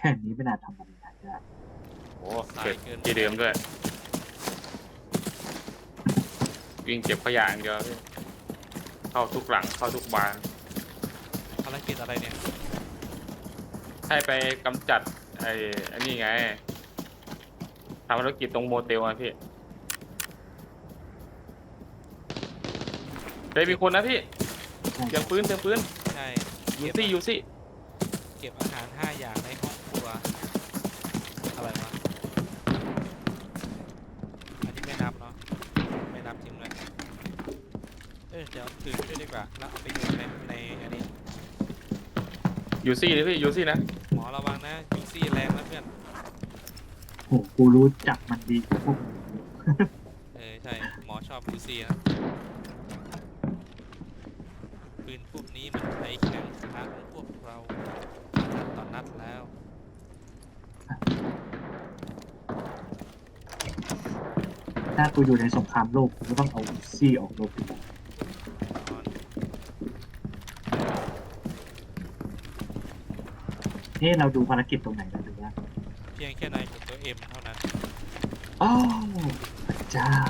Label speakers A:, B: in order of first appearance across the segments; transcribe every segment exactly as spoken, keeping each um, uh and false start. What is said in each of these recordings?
A: ค่นี้ไม่น่าทำอะไรได้
B: โอ้เก็บที่เดิมด้วยวิ่งเก็บขยะอย่างเดียวพี่เข้าทุกหลังเข้าทุกบาน
C: ภารกิจอะไรเนี่ย
B: ให้ไปกำจัดไอ้อันนี้ไงทำภารกิจตรงโมเตลอ่ะพี่เฮ้ยมีคนนะพี่เตรียมปืนเตรียมปืน
C: ใช่
B: ยูซี่ยูซี่
C: เก็บอาหารห้าอย่างในห้องครัวอะไรวะอันนี้ไม่นับเนาะไม่นับทิ้งเลยเออเดี๋ยวถือไปด้วยดีกว่าแล้วเอาไปโยนในในอันนี้
B: ยูซี่เลยพี่ยูซี่นะ
C: หมอระวังนะยูซี่แรงนะเพื่อน
A: โหกูรู้จักมันดีกว่าพวกมึง
C: เออใช่หมอชอบยูซี่นะปืนพวกนี้มันใช้แข็งขาของพวกเรานัดต่อนัดแล้ว
A: ถ้ากูอยู่ในสงครามโลกกูก็ต้องเอาซี่ออกรบดีกว่าเฮ้เราดูภารกิจตรงไหนกันดูว่า
C: เพียงแค่นายกดตัวเอ็มเท่านั้น
A: อ้าวพระเจ้า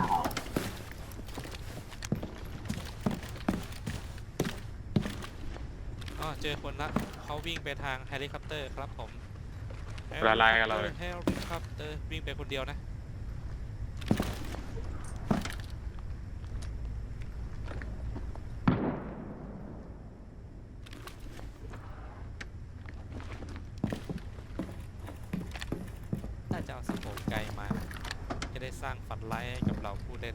C: อ๋อเจอคนละเขาวิ่งไปทางเฮลิคอปเตอร์ครับผม
B: ละลายกันเลย
C: เฮลิคอปเตอร์วิ่งไปคนเดียวนะถ้าจะเอาสโคปไกลมาจะได้สร้างฝันร้ายให้กับเราผู้เล่น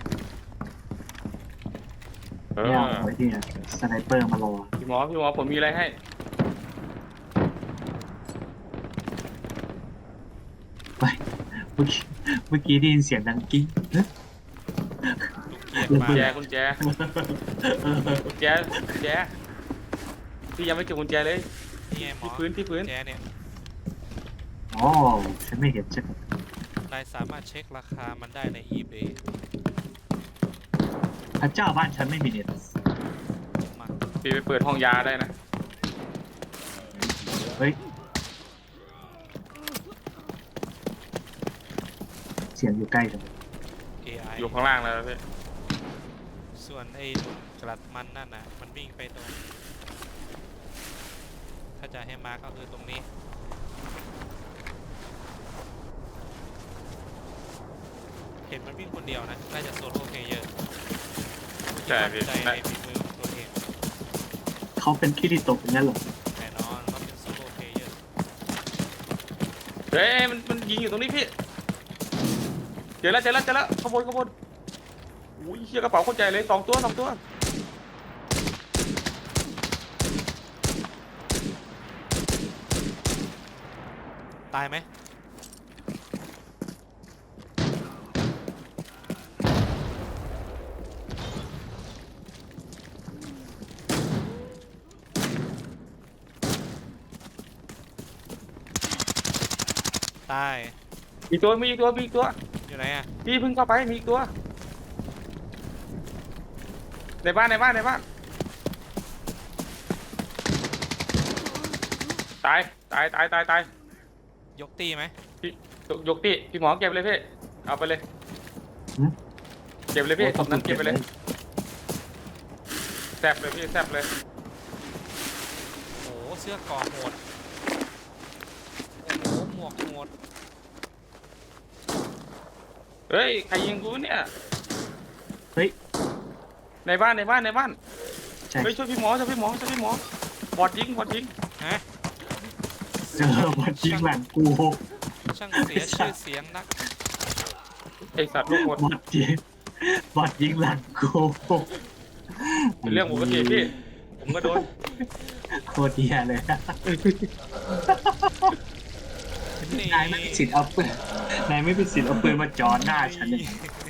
B: เอ
A: เนี่ย
B: อ
A: เอาไว้ที่สไนเปอร์มารอ
B: พี่หมอพี่หมอผมมีอะไรให้
A: ไปเมื่อกี้เมื่อกี้ได้ยินเสียงดังกิ้งเฮ้ย
C: ลูกเกียร์
B: กุ
C: มา
B: ญแจกุญแจกุญแจกุญแจพี่ยังไม่เจอกุญแจเลย
C: นี่ไงหมอ
B: ที่พื้นที่พื้น
C: แจเนี่ย
A: อ๋อฉันไม่เห็นฉัน
C: นายสามารถเช็คราคามันได้ใน eBay
A: พระเจ้าบ้านฉันไม่มีเน็ต
C: มา
B: พี่ไปเปิดห้องยาได้นะ
A: เฮ้ยเสียงอยู่ใกล้จัง
C: เอ ไอ
B: อยู่ข้างล่างแล้วพี่
C: ส่วนไอ้หนุ่มกลัดมันนั่นนะมันวิ่งไปตรง ถ้าจะให้มาก็คือตรงนี้ เห็นมันวิ่งคนเดียวนะ น่าจะโซโล่เพลเยอร์
B: ใช่พี่
C: ใจในฝีมือของตัวเอง
A: เขาเป็นคิริโตะอย่างนั้นเหรอ
C: แน่นอนว่าเป็นโซโล่เพลเยอร์
B: เฮ้ยมันมันยิงอยู่ตรงนี้พี่เจอแล้วเจอแล้วเจอแล้วขบวนขบวนอุ้ยเชี่ยกระเป๋าคนใจเลยสองตัวสองตัว
C: ตายไหมตาย
B: อีกตัวมีอีกตัวมีอีกตัว
C: อยู่ไหนอ่ะ
B: พี่เพิ่งเข้าไปมีอีกตัวในบ้านในบ้านในบ้านตายตายตายตายตาย
C: ยกตีไหม
B: พี่ยกยกพี่พี่หมอเก็บเลยพี่เอาไปเลย
A: หึ
B: เก็บเลยพี่ศพนั้นเก็บไปเลยแซบเลยพี่แซบเลย
C: โอ้โหเสื้อเกราะโหดโอ้โหหมวกโหด
B: เฮ้ยใครยิงกูเนี่ย
A: เฮ้ย
B: ในบ้านในบ้านในบ้าน
A: ใช่
B: เฮ้ยช่วยพี่หมอช่วยพี่หมอช่วยพี่หมอบอดยิงบอดยิง
C: ฮะ
A: เจอบอดยิงหลังกู
C: ช่างเสียชื่อเสียงนัก
B: ไอสัตว์ลูกหมด
A: บอดยิงบอดยิงหลังกู
B: เป็นเรื่องปกติพี่ผมก็โดน
A: โคตรเดียเลยนะ
C: นี่
A: นายไม่มีสิทธิ์เอาปืนนายไม่มีสิทธิ์เอาปืนมาจ่อหน้าฉันเลย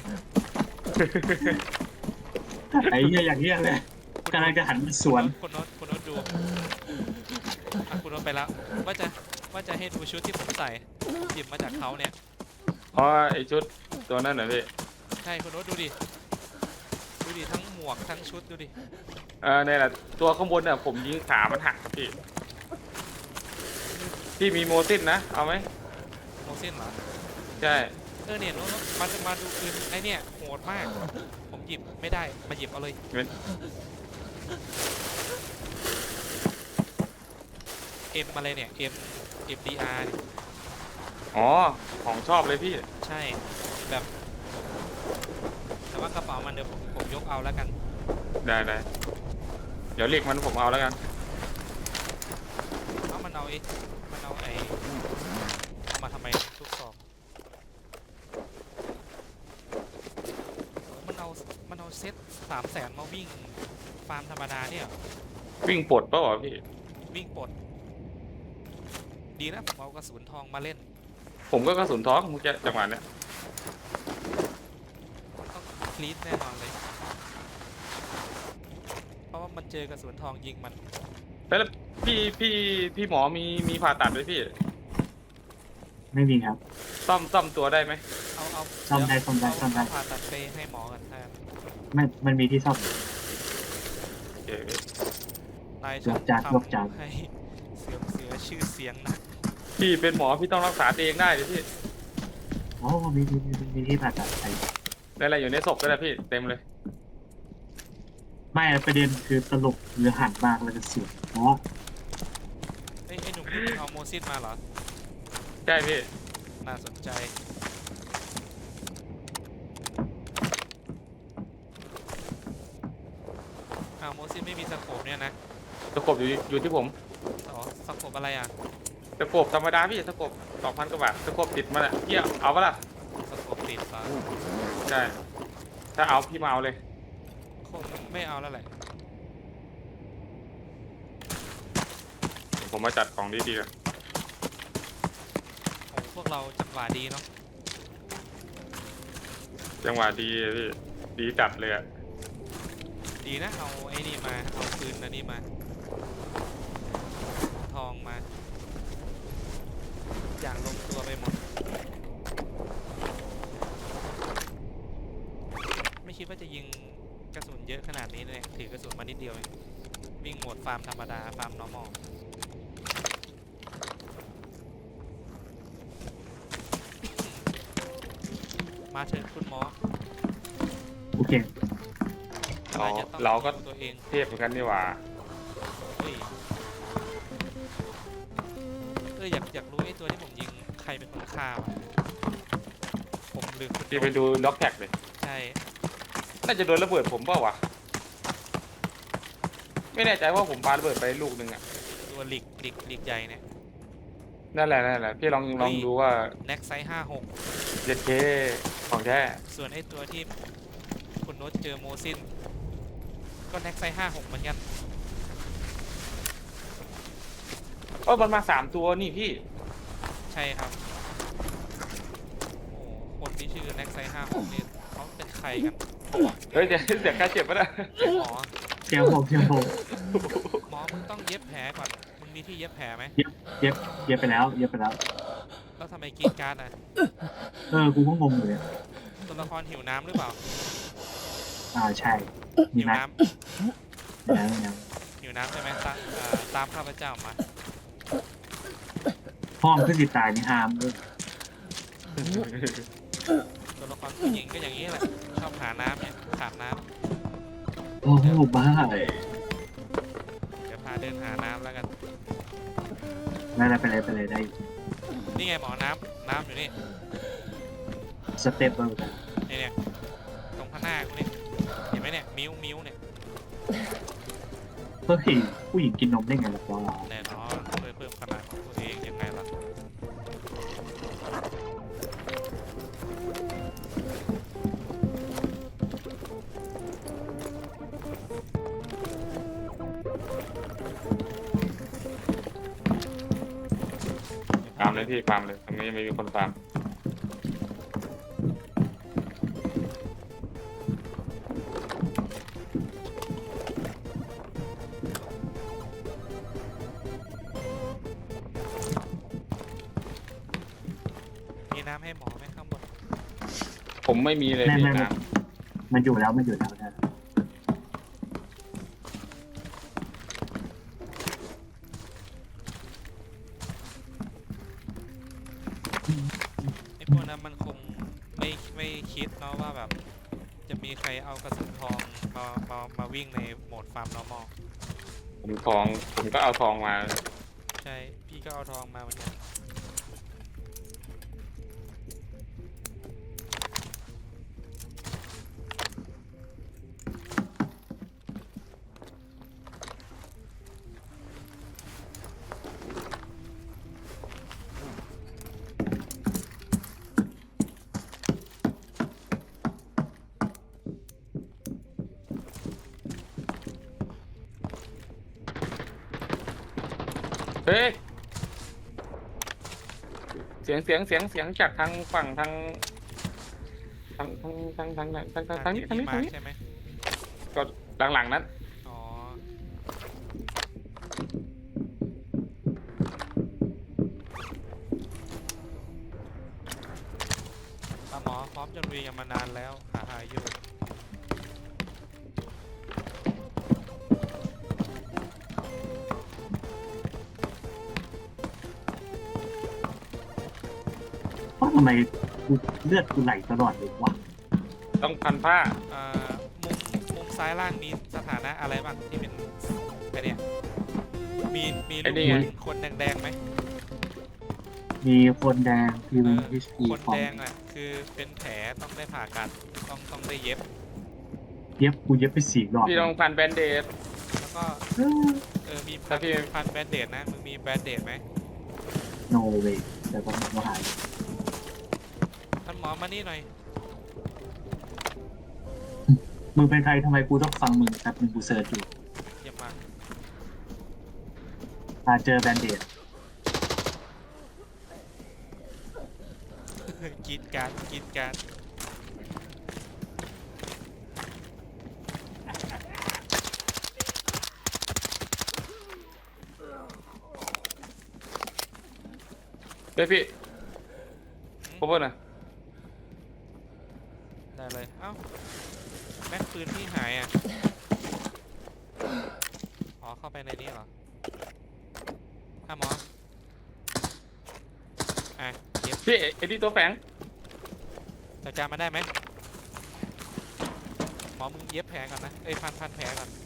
A: ไอ้เหี้ยอย่างเงี้ยเลยกำลังจะหันมาสวน
C: คุณโน้ตคุณโน้ตดูอ่ะคุณโน้ตไปแล้วว่าจะว่าจะให้ดูชุดที่ผมใส่หยิบมาจากเขาเนี่ย
B: อ๋อไอชุดตัวนั้นเหรอพี่
C: ใช่คุณโน้ตดูดิดูดิทั้งหมวกทั้งชุดดูดิ
B: เออเนี่ยแหละตัวข้างบนเนี่ยผมยิงขามันหักพี่พี่มีโมซินนะเอาไหม
C: โมเซนเหรอ
B: ใช่
C: เออเนี่ยน้องๆมันมาดูปืนไอเนี่ยโหดมาก ผมหยิบไม่ได้มาหยิบเอาเลย
B: เป็น
C: เอ็มอะไรเนี่ย M M D R เนี่ย
B: อ๋อของชอบเลยพี่
C: ใช่แบบ แต่ว่ากระเป๋ามันเดี๋ยวผมผมยกเอาแล้วกัน
B: ได้ได้เดี๋ยวเรียกมันผมเอาแล้วกัน
C: เอามันเอาไอ้มันเอาไอ้เอามาทำไมทุกซองมันเอามันเอาเซ็ตสามแสนมาวิ่งฟาร์มธรรมดาเนี่ยเหรอ
B: วิ่งปลดเปล่าวะพี่
C: วิ่งปลดดีนะผมเอากระสุนทองมาเล่น
B: ผมก็กระสุนท้องมึงจะจังหวะเนี้ย
C: ต้องคลีดแน่นอนเลย เพราะว่ามันเจอกระสุนทองยิงมัน
B: แล้วพี่พี่พี่หมอมีมีผ่าตัดไหมพี่
A: ไม่มีครับ
B: ซ่อมซ่อมตัวได้ไหม
C: เอาเอา
A: ซ่อมได้
C: เยว
A: ซ่อมได้
C: เา
A: ซ่อมได้
C: เาผ่าตัดไปให้หมอกันแทน
A: ไม่มันมีที่ซ่อม
B: โอเคพี่
C: นาย
A: ยกจาน
C: ทำ
A: ยกจาน
C: ให้เสื่อมเสียชื่อเสียงนะ
B: พี่เป็นหมอพี่ต้องรักษาตัวเองได้ดิพี่
A: โอ้มีมีมีมีที่ผ่าตัดไป
B: ได้อะไรอยู่ในศพก็ได้พี่เต็มเลย
A: ไม่ประเด็นคือตลกหรือหันมากแล้วก็เสียงอ๋อ
C: เอ้ยไอ้หนุ่มนี่มึงเอาโมซินมาเหรอ
B: ใช่พี่
C: น่าสนใจ อ้าวโมซินไม่มีสโคปเนี่ยนะ
B: ตะกบอยู่อยู่ที่ผม
C: อ๋อสโคปอะไรอ่ะ
B: ตะกบธรรมดาพี่ตะกบสองพันกว่าบาทตะกบติดมาอ่ะพี่เอาปะล่ะ
C: สโคปติดเหรอ
B: ใช่ถ้าเอาพี่มาเอาเลย
C: คงไม่เอาแล้วแหละ
B: ผมมาจัดของดีๆกัน
C: โอ้พวกเราจังหวะดีเนาะ
B: จังหวะดีอะพี่ดีจัดเลยอะ
C: ดีนะเอาไอ้นี่มา เอาปืนอันนี้มา ทองมา อย่างลงตัวไปหมด ไม่คิดว่าจะยิงกระสุนเยอะขนาดนี้เลย ถือกระสุนมานิดเดียวเองวิ่งโหมดฟาร์มธรรมดา ฟาร์ม normal มาเถิดคุณหมอ
A: โอเค
B: เรา
C: นยจะต้อง
B: เราก็
C: ดูตัวเอง
B: เทพเหมือนกันนี่หว่า
C: เฮ้ยเอออยากอยากรู้ไอ้ตัวที่ผมยิงใครเป็นคนฆ่าวะผมลืมคุณ
B: พี่ไปดูด็อกแท็กเลย
C: ใช่
B: น่าจะโดนระเบิดผมเปล่าวะไม่แน่ใจว่าผมปาระเบิดไปลูกหนึ่งอะ
C: ตัวหลีกหลีกหลีกใหญ่เนี่ย
B: นั่นแหละนั่นแหละพี่ลองลองดูว่า
C: แน็กไซส์ห้าหก
B: เจ็ดเคของแท้
C: ส่วนไอ้ตัวที่คุณโน้ตเจอโมซิน ก็แน็กไซส์ห้าหกเหมือนกัน
B: เออมันมาสามตัวนี่พี่
C: ใช่ครับ โอ้โหคนที่ชื่อแน็กไซส์ห้าหกนี่เขาเป็นใครกัน
B: เฮ้ยเดี๋ยวเดี๋ยวกล้าเจ็บปะนะ
C: หมอ
A: เจียวผมเจียวผม
C: หมอมึงต้องเย็บแผลก่อน มึงมีที่เย็บแผลไหม
A: เย็บเย็บเย็บไปแล้วเย็บไปแล้ว
C: แล้วทำไมกรีดการ์ดอ่ะ
A: เออกูก็งงอยู่เลย
C: ตัวละครหิวน้ำหรือเปล่า
A: อ่าใช่มี
C: หิว
A: ไหม
C: น้
A: มีน้ำมีน้
C: ำหิวน้ำใช่ไหมตามอ่าตามข้าพเจ้ามา
A: ำห้องขึ้นสิตายนี่ห้ามเลย
C: ตัวละครผู้หญิงก็อย่างนี้แหละ ชอบหาน้ำเนี่ยขาดน้
A: โอ้โหบ้า
C: ำเดี๋ยวพาเดินหาน้ำแล้วกัน
A: ได้ได้ไปเลยไปเลยได้อยู่
C: นี่ไงหมอน้ำน้ำอยู่นี่
A: สเต็ปเบอร์กัน
C: นี่เนี่ยตรงข้างหน้ากูนี่เห็นไหมเนี่ยมิ้วมิ้วเนี่ย
A: เฮ้ยผู้หญิงกินนมได้ไงล่ะวะ
C: แน่นอนเพื่อเพิ่มขนาดของตัวเองยังไงล่ะ
B: ฟาร์มเลยพี่ฟาร์มเลยตรงนี้ไม่มีคนฟาร์ม
C: มีน้ำให้หมอไหมข้างบน
B: ผมไม่มีเลย
A: ไม่
B: พี่
A: ไม่ไม่
B: น้
A: มันอยู่แล้วมันอยู่แล้วนะ
C: มไอ้พวกนั้นมันคงไม่ไม่คิดเนาะว่าแบบจะมีใครเอากระสุนทองมามามาวิ่งในโหมดฟาร์ม normal
B: ผมทองผมก็เอาทองมา
C: ใช่ พี่ก็เอาทองมาเหมือนกัน
B: เฮ้ยเสียงเสียงเสียงเสียงจากทางฝั่งทางทางทางทางทางทางทางทางนี้ทางนี้ทางนี้
C: ใช่ไหม
B: ก็หลังๆนั้น
C: อ๋อปลาหมอพร้อมจนวีกันมานานแล้วหาหาอยู่
A: เพราะทำไมกูเลือดกูไหลตลอดเลยวะ
B: ต้องพันผ้า
C: เอ่อมุมมุมซ้ายล่างมีสถานะอะไรบ้างที่เป็นไอเนี่ยมีมีรูปคนแดงๆไหม
A: มีคนแดงพี
C: เอ
A: วี
C: อ
A: เอชพี
C: คน
A: ของ
C: แดงอ่ะคือเป็นแผลต้องได้ผ่าตัดต้องต้องได้เย็บ
A: เย็บกูเย็บไปสี่รอบ
B: พี่ต้องพันแบนเดด
C: แล้วก็
A: เออ
C: เออมีพั
B: ถ้าน พี่
C: พันแบนเดดนะมึงมีแบนเดดไหม
A: โนเวแต่ก็ไม่หาย
C: ท่านหมอมานี่หน่อย
A: มึงเป็นใครทำไมกูต้องฟังมึงแป๊บนึงกูเซิร์ชอยู่
C: เยี่ยมมาก
A: มาเจอแบนเดด
C: กรีดการดกรีดการด
B: เฮ้ยพี่พบนะ
C: ได้เลย เอ้าแม็กปืนพี่หายอ่ะ อ๋อเข้าไปในนี้เหรอท่านหมออ่ะเย็บ
B: พี่ไอ้ที่ตัวแฝง
C: จัดการมาได้ไหมหมอมึงเย็บแผลก่อนนะ เอ้ยพันพันแผลก่อน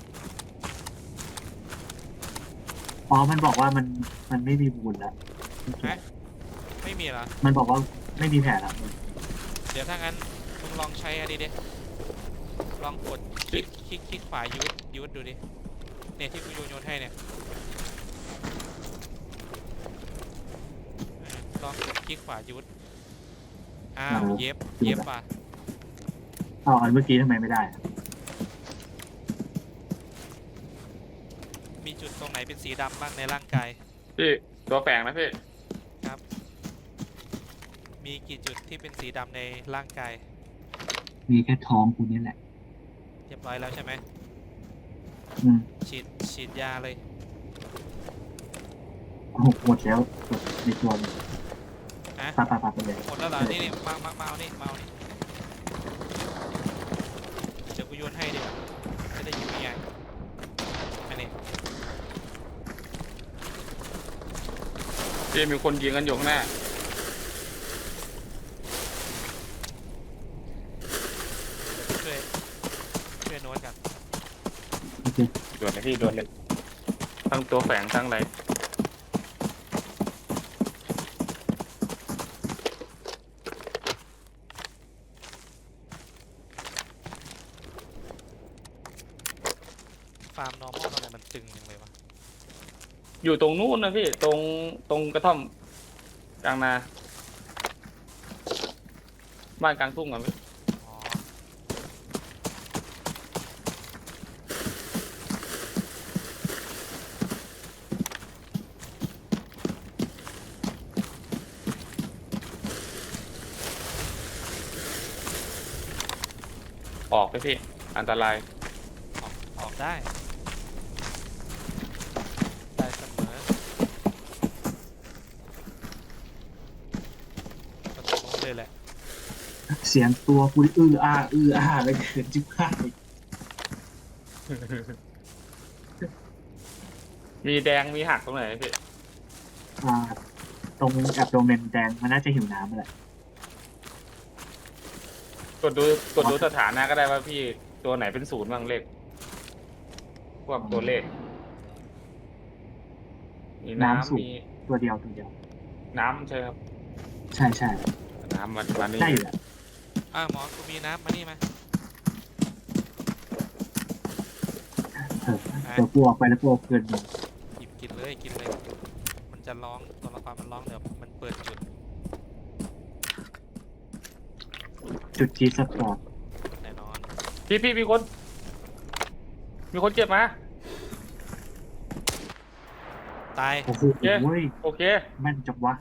A: อ๋อมันบอกว่ามันมันไม่มีบุญแล้ว
C: ฮะไม่มีเหรอ
A: มันบอกว่าไม่มีแผลแล้ว
C: เดี๋ยวถ้างั้นมึงลองใช้อันนี้ดิลองกดคลิกคลิกคลิกขวายูดยูดดูดิ เนี่ยที่กูโยนโยนให้เนี่ยเออลองกดคลิกขวายูดอ้าวเย็บเย็บว่ะ
A: อ๋ออันเมื่อกี้ทำไมไม่ได้อะ
C: มีจุดตรงไหนเป็นสีดำบ้างในร่างกาย
B: พี่ตัวแฝงนะพี่
C: ครับ มีกี่จุดที่เป็นสีดำในร่างกาย
A: มีแค่ท้องกูนี่แหละ
C: เรียบร้อยแล้วใช่ไหม
A: อืม
C: ฉีดฉีดยาเลย
A: โอ้โหหมดแล้วหมดในตัวมัน
C: ฮะ
A: ปาปาปาไปเลย
C: หมดแล้วเหรอ นี่นี่มามามาเอานี่มาเอานี่เดี๋ยวกูโยนให้ดีกว่าจะได้ยิงง่ายๆอันนี้
B: พี่มีคนยิงกันอยู่ข้างหน้า
C: ช่วยช่วยโน้ตกัน
A: โอเค
B: ด่วนเลยพี่ด่วนเลยทั้งตัวแฝงทั้งอะไร
C: ฟาร์ม normal ทำไมมันตึงจังเลยวะ
B: อยู่ตรงนู้นนะพี่ตรงตรงกระท่อมกลางนาบ้านกลางทุ่งอ่ะพี่
C: อ๋อ
B: ออกไปพี่อันตราย
C: ออกออกได้ ได้เสมอก็ตรงนู้นเลยแหละ
A: เสียงตัวกูนี่อื้ออ้าอื้ออ้าเลยเกินจิ๊บข้าย
B: มีแดงมีหักตรงไหนพี่
A: อ่าตรงแอบโดเมนแดงมันน่าจะหิวน้ำแหละ
B: กดดูกดดูสถานะก็ได้ว่าพี่ตัวไหนเป็นศูนย์บ้างเลขพวกตัวเลข มี
A: น้ำ
B: น้ำ
A: สูง
B: มี
A: ตัวเดียวตัวเดียว
B: น้ำใช่ครับ
A: ใช่ใช่
B: น้ำมันมันนี่
A: ได้อยู่แหละ
C: อ่าหมอกูมีน้ำมานี่มา
A: เออเดี๋ยวกูออกไปแล้วกูเอาคืนมึง
C: หยิบกินเลยกินเลย มันจะร้องตัวละครมันร้องเดี๋ยวมันเปิดจุด
A: จุดจีสปอร์ต
C: แน่นอน
B: พี่พี่มีคน มีคนเจ็บมา
C: ตาย
A: โอ้โห
B: เย้
A: เว้ย
B: โอเค
A: แม่นจังวะ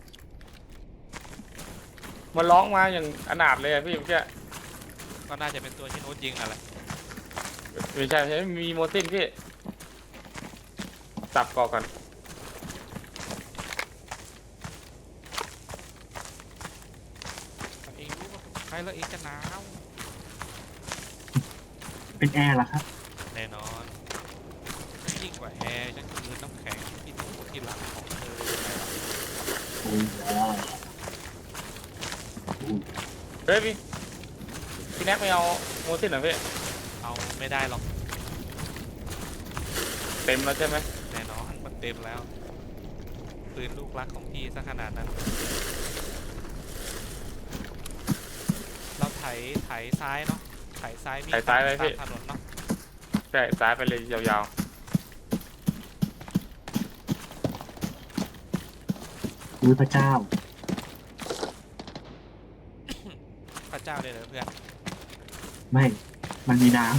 B: มันร้องมาอย่างอนาถเลยอะพี่เมื่อกี้
C: ก็น่าจะเป็นตัวที่โน้ตยิงนั่นแหละ
B: ไม่ใช่ไม่ใช่มีโมซินพี่สับก่อก่อน
C: เองรู้ว่าใครแล้วเองจะหนาว
A: เป็นแอร์เหรอครับ
C: แน่นอนยิ่งกว่าแอร์ฉันคือน้ำแข็งที่ถูกที่หลังของเธอยังไงล่ะ
A: โอ้ยแล้วโอ้ย
B: เฮ้ยพี่พี่แน็กไม่เอาโมซินเหรอพี่
C: เอาไม่ได้หรอก
B: เต็มแล้วใช่ไหม
C: แน่นอนมันเต็มแล้วปืนลูกรักของพี่ซะขนาดนั้น เราไถไถซ้ายเนาะไถซ้ายวิ่งตามถนนเนาะ
B: ใช่ซ้ายไปเลยยาว
A: อุ้ยพระเจ้า
C: พระเจ้าเลยเหรอเพื่อน
A: ไม่ มันมีน้ำ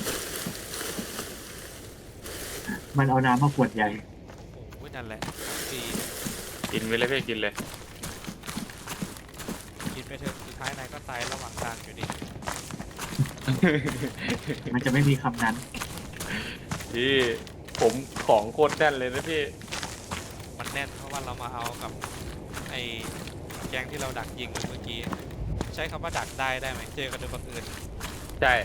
A: มันเอาน้ำมาขวดใหญ่
C: โอ้ยนั่นแหละปี
B: ๆกินไปเลยพี่กินเลย
C: กินไปเถอะสุดท้ายนายก็ตายระหว่างทางอยู่ดี
A: มันจะไม่มีคำนั้น
B: พี่ผมของโคตรแน่นเลยนะพี่
C: มันแน่นเพราะว่าเรามาเอากับไอ้แก๊งที่เราดักยิงเมื่อกี้ ใช้คำว่าดักได้ได้ไหมเจอกันโดยบังเอิญ
B: ใช่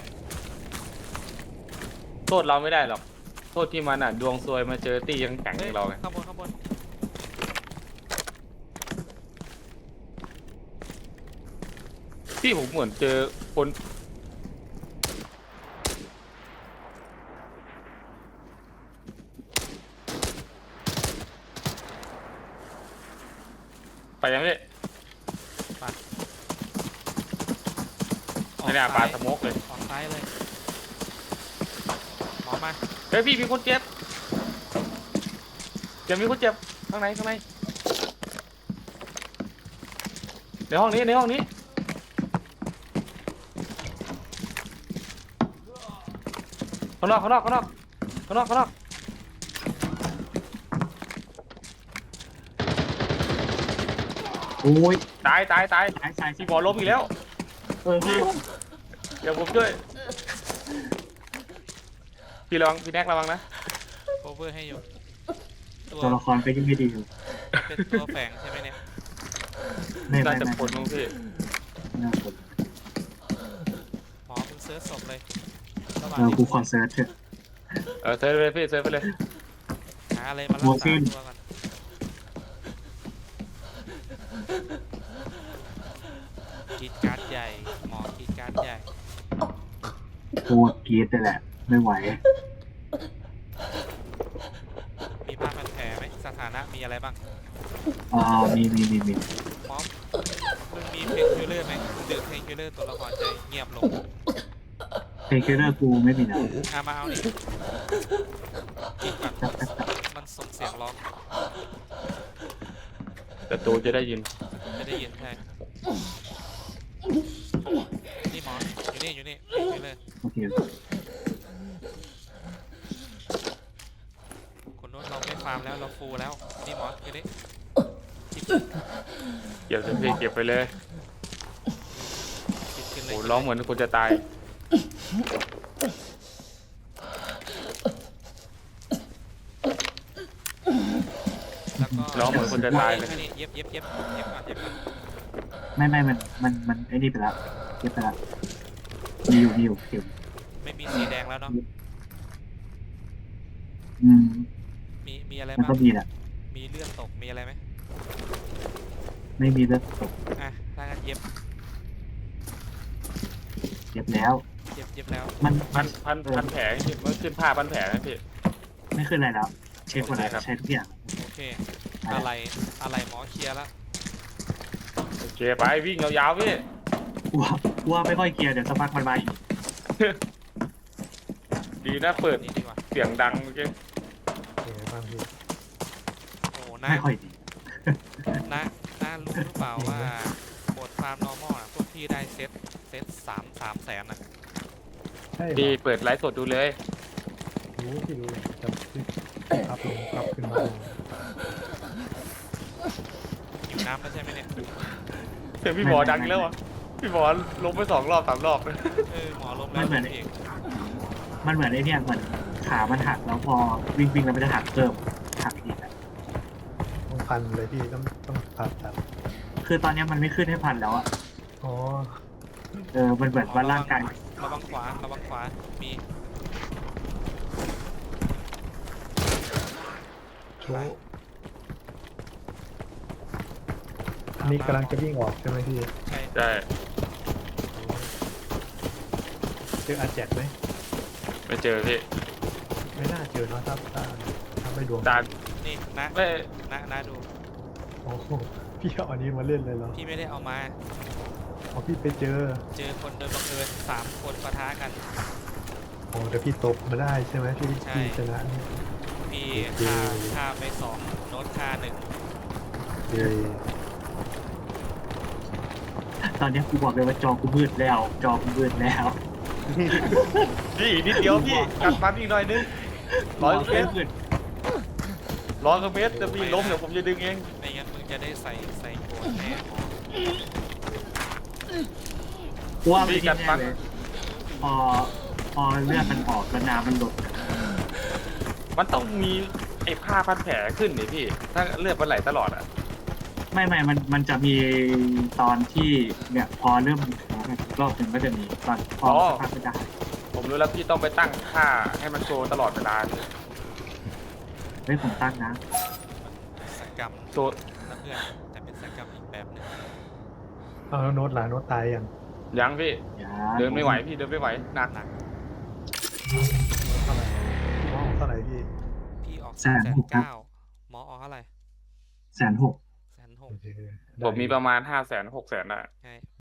B: โทษเราไม่ได้หรอก โทษที่มันอ่ะ ดวงซวยมาเจอตียังแข็งอย่างเราไง
C: ข้างบนข้างบน
B: พี่ผมเหมือนเจอคนไปยังพี่ไม่น่าปาสโมกเลย
C: ออกซ้ายเลยหมอมา
B: เฮ้ยพี่มีคนเจ็บเจ็บมีคนเจ็บข้างในข้างในในห้องนี้ในห้องนี้ข้างนอกข้างนอกข้างนอกข้างนอกข้างนอก
A: โอ้ย
B: ตายตายตาย
A: สายสาย
B: พี่บอลล้มอีกแล้ว
A: เออพี่
B: เดี๋ยวผมช่วยพี่ระวังพี่แน็กระวังนะ
C: โคเวอร์ให้อยู่ตัว
A: ตัวละครก็ยังไม่ดีอยู่
C: เป็นตัวแฝงใช่ไหมเนี่ย
A: ไม่ไม่
B: น่าจะ
A: ไม่
B: ผลมั้งพี่
A: น่าผล
C: หมอมึงเซิร์ชศพเลยระหว่าง
A: เออ
C: ที่
A: กูขอเซิร์ชเถอะ
B: เออเซิร์ฟไปเลยพี่เซิร์ฟไปเลย
C: หาอะไรมารัก
A: โมซิ
C: ษาน ตัวก่อนกรีดการ์ดใหญ่หมอกรีดการ์ดใหญ่
A: โคตรกรีดเลยแหละ ไม่ไหว
C: มีผ้าพันแผลไหมสถานะมีอะไรบ้าง
A: อ่ามีมีมีมี
C: หมอมึงมีเพนคิลเลอร์ไหมดื่มเพนคิลเลอร์ตัวละครจะเงียบลง
A: เพนคิลเลอร์กูไม่มีนะ
C: อามาเอานี่กินก่อนมันส่งเสียงร้อง
B: แต่ตูจะได้ยิน
C: ไม่ได้ยินใช่นี่หมออยู่นี่อยู่นี่เพนคิลเลอร์
A: โอเค
C: คนโน้นเราไม่ฟาร์มแล้วเราฟูลแล้วนี่หมออยู่นี่
B: เก็บเลยพี่เก็บไปเลย
C: กินกินเลย
B: โอ้ร้องเหมือนคนจะตาย
C: แล้วก็
B: ร้องเหมือนคนจะตายเลย
C: นี่เย็บเย็บเย็บเย็บก่อนเย็บก่อน
A: ไม่ไม่มันมันมันไอ้นี่ไปแล้วเก็บไปแล้วมีอยู่มีอยู่เก็บ
C: ไม่มีสีแดงแล้วเนาะ
A: อืม
C: มีมีอะไร
A: มัน
C: บ้าง
A: ก็มีแหละ
C: มีเลือดตกมีอะไรไหม
A: ไม่มีเลือดตก
C: อ่ะถ้างั้นเย็บ
A: เจ็บแล้ว
C: เย็บเย็บแล้ว
A: มัน
B: พันพันพันแผลพี่มันขึ้นผ้าพันแผลนะพี่
A: ไม่ขึ้นอะไรแล้ว เช็คหมดแล้ว
B: โอเคครับ
A: ใช้ทุกอย่าง
C: โอเคอะไรอะไรหมอเคลียร์แล้ว
B: โอเคไปวิ่งยาวๆพี่
A: กลัวกลัวไม่ค่อยเคลียร์เดี๋ยวสักพักมันมาอีก
B: ดีนะเปิด
C: นี่ดีกว่า
B: เสียงดังเมื่อกี้
D: เป็นไงบ้างพี่
C: โอ้น้า
A: ไม่ค่อยดี
C: น้าน้ารู้หรือเปล่าว่าบทฟาร์ม normal อ่ะพวกพี่ได้เซ็ตเซ็ตสามสามแสนอ่ะ
D: ใช่เหร
B: พี่
D: อ
B: เปิดไลฟ์สดดูเลย
D: รู้พี่รู้เลยจำชื่อครับลงครับขึ้นมาลง
C: หิวน้ำแล้วใช่ไหมเนี่ย
B: เสียงพี่หมอดังอีกแล้วอ่ะพี่หมอลงไปสองรอบสามรอบเลย
C: เออหมอลมแล้วเอง
A: มันเหมือนไอ้เนี่ยเหมือนขามันหักแล้วพอวิ่งวิ่งแล้วมันจะหักเพิ่มหักอีกอะ
D: ต้องพันเลยพี่ต้องต้องผ่าตัด
A: คือตอนเนี้ยมันไม่ขึ้นให้พันแล้วอะ
D: อ๋อ
A: เออมันเหมือนว่าร่างกาย
C: ระวังขวาระวังขวามี
D: โชว์อันนี้กำลังจะวิ่งออกใช่ไหมพี่
C: ใช่
B: ใช่
D: เจออาแจกไหม
B: ไม่เจอพี่
D: ไม่น่าเจอเนอะถ้าถ้าถ้าไม่ดวง
B: ตา
C: นี่นะ
B: ไม่
C: นะนะดู
D: โอ้โหพี่เอาอันนี้มาเล่นเลยเหรอ
C: พี่ไม่ได้เอามา
D: อ๋อพี่ไปเจอ
C: เจอคนโดยบังเอิญสามคนปะทะกัน
D: โอ้แต่พี่ตบมาได้ใช่ไหมพี่
C: ใช่
D: พี่ชนะเนี่ย
C: พี่
D: โอเค
C: ฆ่าฆ่าไปสองโน้ตฆ่าหนึ่ง
D: เย้
A: ตอนเนี้ยกูบอกเลยว่าจอกูมืดแล้ว จอกูมืดแล้ว
B: พี่อีกนิดเดียวพี่กัดมันอีกหน่อยนึงร้อยกว่าเมตร
A: มืด
B: ร้อยกว่าเมตรจะพี่ล้มเดี๋ยวผมจะดึงเอง
C: ไม่งั้นมึงจะได้ใส่ใส่โกนแน่หมอ
A: กูว่าไม่ได้แน่เลยพอพอเลือดมันออกแล้วน้ำมันหลด
B: มันต้องมีไอ้ผ้าพันแผลขึ้นนี่พี่ ถ้าเลือดมันไหลตลอดอ่ะ
A: ไม่ไม่มันมันจะมีตอนที่เนี่ยพอเริ่มมีแผลอีกรอบหนึ่งก็จะมีตอนพอ
B: อ๋อ
A: สภาพไม่ได้
B: ผมรู้แล้วพี่ต้องไปตั้งค่าให้มันโชว์ตลอดเวลา
A: เฮ้ยผมตั้งนะ
C: สกรรม
B: โชว์
C: นะเพื่อนแต่เป็นสกรรมอีกแบบหนึง
D: เอาแล้วโน้ตหลานโน้ตตายยัง
B: ยังพี่
A: อย่า
B: เดินไม่ไหวพี่เดินไม่ไหวหนัก
C: หนัก
D: เท่าไหร่พี่ว่าเท่าไหร่พี่
C: พี่ออกสามแสนเก้าหมอออกเท่าไหร่
A: แสนหก
C: แสนหก
D: โอเค
B: ผมมีประมาณห้าแสนหกแสนได้
C: ใช่